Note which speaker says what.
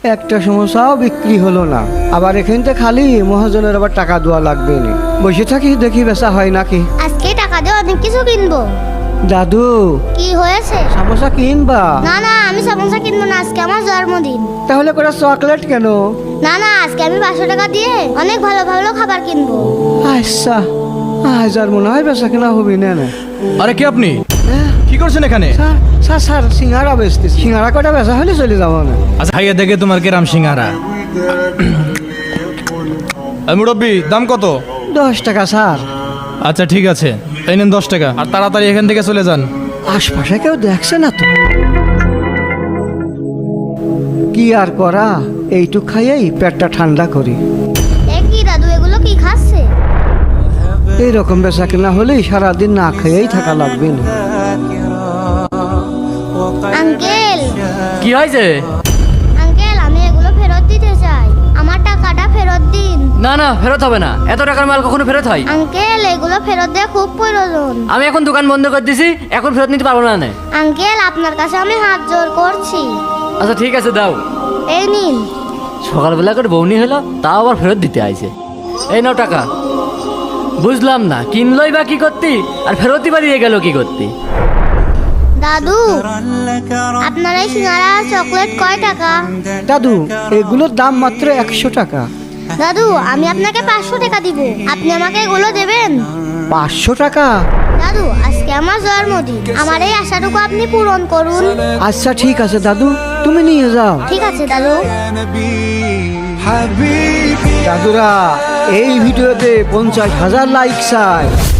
Speaker 1: একটা সমস্যাও বিক্রি হলো না। আবার এখান থেকে খালি মহাজনের আবার টাকা দেওয়া লাগবে না। বসে থাকি দেখি বেচা হয় নাকি।
Speaker 2: আজকে টাকা দিয়ে অনেক কিছু কিনবো।
Speaker 1: দাদু
Speaker 2: কি হয়েছে?
Speaker 1: সমস্যা কিনবা?
Speaker 2: না না, আমি সমোসা কিনবো না, আজকে আমার জন্মদিন।
Speaker 1: তাহলে করে চকলেট কেন?
Speaker 2: না না, আজকে আমি 500 টাকা দিয়ে অনেক ভালো ভালো খাবার কিনবো।
Speaker 1: আচ্ছা, আজ আর মনে হয় বেচা কেনা হবে না।
Speaker 3: আরে কি আপনি কি করছেন এখানে?
Speaker 1: স্যার স্যার সিঙ্গারা বেচতেছি। সিঙ্গারা কটা বেচা হলে চলে যাবো না।
Speaker 3: আচ্ছা খাইয়া দেখে তোমার কেরাম সিঙ্গারা। মুরব্বি দাম কত?
Speaker 1: 10 টাকা স্যার।
Speaker 3: আচ্ছা ঠিক আছে, এই নেন 10 টাকা, আর তাড়াতাড়ি এখান থেকে চলে যান।
Speaker 1: আশপাশে কেউ দেখছে না তো। কি আর করা, এইটুক খাইয়েই পেটটা ঠান্ডা করি।
Speaker 2: এ কি দাদু, এগুলো কি খাচ্ছে?
Speaker 1: এইরকম বেচা কেনা হলেই সারাদিন না খেয়েই থাকা লাগবে না।
Speaker 2: আঙ্কেল
Speaker 4: কি হয়েছে?
Speaker 2: আঙ্কেল, আমি এগুলো ফেরত দিতে চাই। আমার টাকাটা ফেরত দিন।
Speaker 4: না না, ফেরত হবে না। এত টাকার মাল কখনো ফেরত হয়?
Speaker 2: আঙ্কেল, এগুলো ফেরত দেওয়া খুব প্রয়োজন।
Speaker 4: আমি এখন দোকান বন্ধ করে দিছি, এখন ফেরত নিতে পারবো না।
Speaker 2: আঙ্কেল, আপনার কাছে আমি হাত জোর করছি।
Speaker 4: আচ্ছা ঠিক আছে, দাও।
Speaker 2: এই নিন।
Speaker 4: সকালবেলা করে বউনি হলো, তাও আবার ফেরত দিতে আইছে। এই নাও টাকা। বুঝলাম না, কিনলই বা কি করতি, আর ফেরতই বা দিয়ে গেল কি করতি?
Speaker 2: দাদু, আপনার এই সিঙ্গারা আর চকলেট কয় টাকা?
Speaker 1: দাদু এগুলোর দাম মাত্র 100 টাকা।
Speaker 2: দাদু, আমি আপনাকে 500 টাকা দিব, আপনি আমাকে এগুলো দেবেন?
Speaker 1: 500 টাকা?
Speaker 2: দাদু, আজকে আমার জন্মদিন, আমার এই আশাটুকু আপনি পূরণ করুন।
Speaker 1: আচ্ছা ঠিক আছে দাদু, তুমি নিয়ে যাও।
Speaker 2: ঠিক আছে দাদু।
Speaker 1: দাদুরা, এই ভিডিওতে 50,000 লাইক চাই।